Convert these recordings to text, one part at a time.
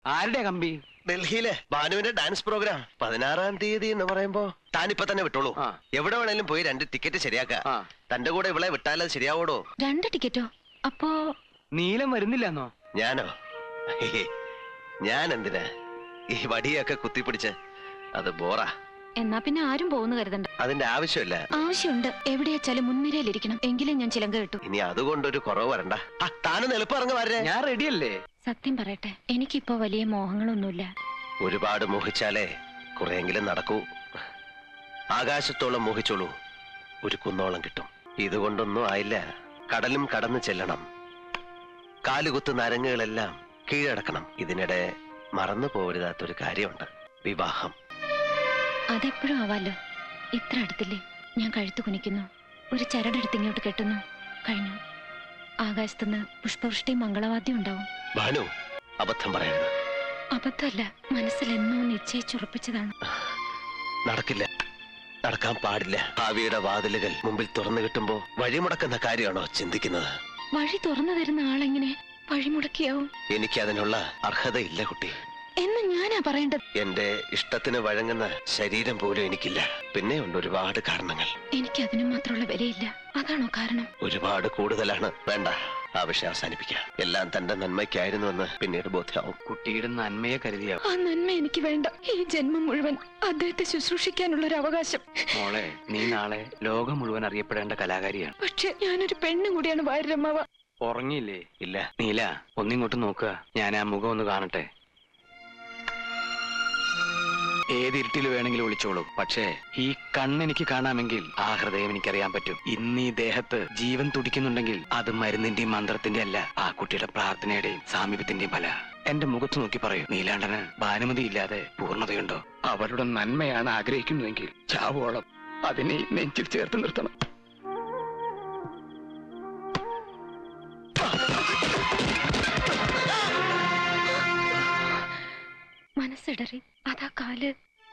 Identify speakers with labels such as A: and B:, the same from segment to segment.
A: ആരുടെ കമ്പി?
B: ഡൽഹിയിലെ ഭാനുവിന്റെ ഡാൻസ് പ്രോഗ്രാം 16-ാം തീയതി എന്ന് പറയുമ്പോ താനിപ്പൊ തന്നെ വിട്ടോളൂ. എവിടെ വേണേലും പോയി 2 ടിക്കറ്റ് ശരിയാക്ക. തന്റെ കൂടെ ഇവളെ വിട്ടാലത് ശരിയാവോടോ?
C: 2 ടിക്കറ്റോ? അപ്പോ
A: നീലം വരുന്നില്ലെന്നോ?
B: ഞാനോ? ഞാൻ എന്തിനാ ഈ വടിയൊക്കെ കുത്തിപ്പിടിച്ച്? അത് ബോറാ.
C: എന്നാ പിന്നെ ആരും പോകുന്നു കരുതണ്ട.
B: അതിന്റെ ആവശ്യമില്ല.
C: ആവശ്യമുണ്ട്. എവിടെയാച്ചാലും മുൻനിരയിലിരിക്കണം, എങ്കിലും ഞാൻ ചിലങ്ക കിട്ടു.
B: ഇനി അതുകൊണ്ടൊരു കുറവ് വരണ്ട. താനൊന്ന് എളുപ്പം ഇറങ്ങി വരേ.
A: ഞാൻ റെഡിയല്ലേ?
C: സത്യം പറയട്ടെ, എനിക്കിപ്പോ വലിയ മോഹങ്ങളൊന്നുമില്ല.
B: ഒരുപാട് മോഹിച്ചാലേ കുറെയെങ്കിലും നടക്കൂ. ആകാശത്തോളം മോഹിച്ചോളൂ, ഒരു കുന്നോളം കിട്ടും. ഇതുകൊണ്ടൊന്നും ആയില്ല. കടലും കടന്നു ചെല്ലണം. കാലുകുത്ത് നരങ്ങുകളെല്ലാം കീഴടക്കണം. ഇതിനിടെ മറന്നു പോകരുതാത്തൊരു കാര്യമുണ്ട്, വിവാഹം.
C: അതെപ്പോഴും ആവാലോ. ഇത്ര അടുത്തില്ലേ? ഞാൻ കഴുത്തു കുനിക്കുന്നു, ഒരു ചരടെടുത്ത് ഇങ്ങോട്ട് കെട്ടുന്നു, കഴിഞ്ഞു. ആകാശത്തുനിന്ന് പുഷ്പവൃഷ്ടി മംഗളവാദ്യം ഉണ്ടാവും.
B: ഭാനു, അബദ്ധം പറയരുത്.
C: അബദ്ധമല്ല, മനസ്സിൽ എന്നോ നിശ്ചയിച്ചുറപ്പിച്ചതാണ്.
B: നടക്കില്ല, നടക്കാൻ പാടില്ല. ഭാവിയുടെ വാതിലുകൾ മുമ്പിൽ തുറന്നു കിട്ടുമ്പോ വഴിമുടക്കുന്ന കാര്യമാണോ ചിന്തിക്കുന്നത്?
C: വഴി തുറന്നു തരുന്ന ആളെങ്ങനെ വഴിമുടക്കിയാവും?
B: എനിക്ക് അതിനുള്ള അർഹതയില്ല കുട്ടി.
C: എന്ന് ഞാനാ പറയേണ്ടത്.
B: എന്റെ ഇഷ്ടത്തിന് വഴങ്ങുന്ന ശരീരം പോലും എനിക്കില്ല. പിന്നെ ഉണ്ട് ഒരുപാട് കാരണങ്ങൾ.
C: എനിക്ക് അതിനു മാത്രമുള്ള വിലയില്ല. അതാണോ കാരണം?
B: ഒരുപാട് കൂടുതലാണ്. വേണ്ട, ആ വിഷയം അവസാനിപ്പിക്കാം. എല്ലാം തന്റെ നന്മയ്ക്കായിരുന്നുവെന്ന് പിന്നീട് ബോധ്യമാവും.
A: കുട്ടിയുടെ നന്മയെ കരുതിയാവും.
C: ആ നന്മ എനിക്ക് വേണ്ട. ഈ ജന്മം മുഴുവൻ അദ്ദേഹത്തെ ശുശ്രൂഷിക്കാനുള്ള ഒരു അവകാശം.
A: മോളെ, നീ നാളെ ലോകം മുഴുവൻ അറിയപ്പെടേണ്ട കലാകാരിയാണ്.
C: പക്ഷെ ഞാനൊരു പെണ്ണും കൂടിയാണ് വാര്യരമ്മാവ.
A: ഉറങ്ങിയില്ലേ?
B: ഇല്ല.
A: നീല, ഒന്നിങ്ങോട്ട് നോക്കുക. ഞാൻ ആ മുഖം ഒന്ന് കാണട്ടെ. ഏത് ഇരുട്ടിൽ വേണമെങ്കിലും വിളിച്ചോളൂ. പക്ഷേ ഈ കണ്ണെനിക്ക് കാണാമെങ്കിൽ ആ ഹൃദയം എനിക്കറിയാൻ പറ്റും. ഇന്ന് ഈ ദേഹത്ത് ജീവൻ തുടിക്കുന്നുണ്ടെങ്കിൽ അത് മരുന്നിന്റെയും മന്ത്രത്തിന്റെ അല്ല, ആ കുട്ടിയുടെ പ്രാർത്ഥനയുടെയും സാമീപ്യത്തിന്റെയും ഫല. എന്റെ മുഖത്ത് നോക്കി പറയൂ, നീലാണ്ടന് ഭാനുമതി ഇല്ലാതെ പൂർണ്ണതയുണ്ടോ? അവരുടെ നന്മയാണ് ആഗ്രഹിക്കുന്നുവെങ്കിൽ ചാവോളം അതിനെ നെഞ്ചിൽ ചേർത്ത് നിർത്തണം.
C: മനസ്സിടറി, അതാ കാല്.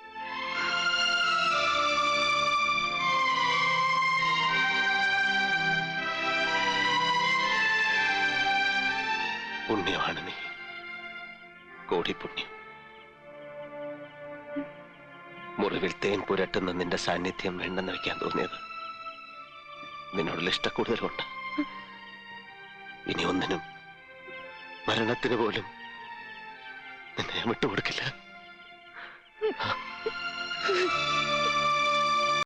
B: പുണ്യമാണ് നീ, കോടി പുണ്യം. മുറിവിൽ തേൻ പുരട്ടുന്ന നിന്റെ സാന്നിധ്യം വേണ്ടെന്ന് വെക്കാൻ തോന്നിയത് നിന്നോടുള്ള ഇഷ്ടക്കൂടുതലുണ്ട്. ഇനി ഒന്നിനും, മരണത്തിന് പോലും നിന്നെ വിട്ടുകൊടുക്കില്ല.